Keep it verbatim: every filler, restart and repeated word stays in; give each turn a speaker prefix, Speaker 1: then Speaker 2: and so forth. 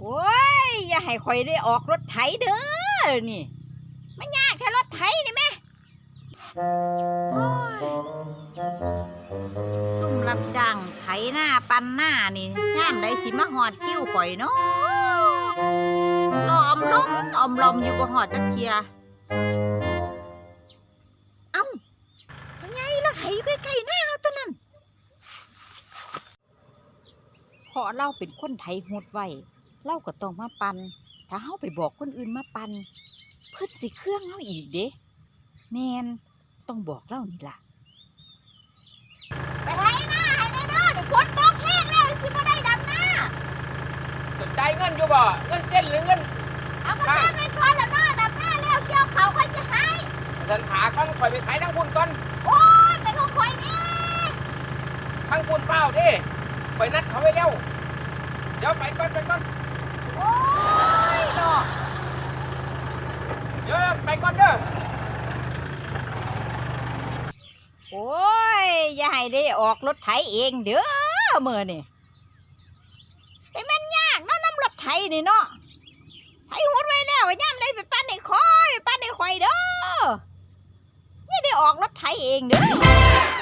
Speaker 1: โอ้ยอย่าให้ข่อยได้ออกรถไถเด้อนี่มันยากแค่รถไถนี่แม่ซุ่มรับจ้างไถหน้าปันหน้านี่ย่ามใดสิมาหอดคิ้วข่อยเนาะรออมล้มอมลมอยู่บ่หอดจักเทียเอ้าเป็นไงรถไถอยู่ใกล้ๆหน้าเราตัวนั้นเพราะเราเป็นคนไถหดไว้เราก็ต้องมาปันถ้าเฮาไปบอกคนอื่นมาปันเพิ่นสิเครื่องเฮาอีกเด้แม่นต้องบอกเล่านี่ล่ะไปไถหน้าให้แน่เด้อเดี๋ยวฝนตกแห้งแล้วสิบ่ได้ดำหน้า
Speaker 2: สนใจเงินอยู่บ่เงินเส้นหรือเงิน
Speaker 1: เอาก็เส้นไปก่อนแล้วเนาะดำหน้าแล้วเกี่ยวเขาค่อยจะให้
Speaker 2: ฉันหาก้อนข่อยไปไถทั้งคุณก่อน
Speaker 1: โอ้ยไปของข่อยนี่
Speaker 2: ทั้งคุณเฝ้าดิไปนัดเขาไว้เร็วเดี๋ยวไปก่อนไปก่อน
Speaker 1: โอ้ยดอก
Speaker 2: เดี๋ยวไปก่อนเด้อ
Speaker 1: โอ้ยอย่าให้ได้ออกรถไถเองเด้อมื้อนี่แต่มันยากเนาะน้ำรถไถนี่เนาะไถหุดไว้แล้วย่ำได้ไปปั้นให้คอยปั้นให้ข่อยเด้ออย่าได้ออกรถไถเองเด้อ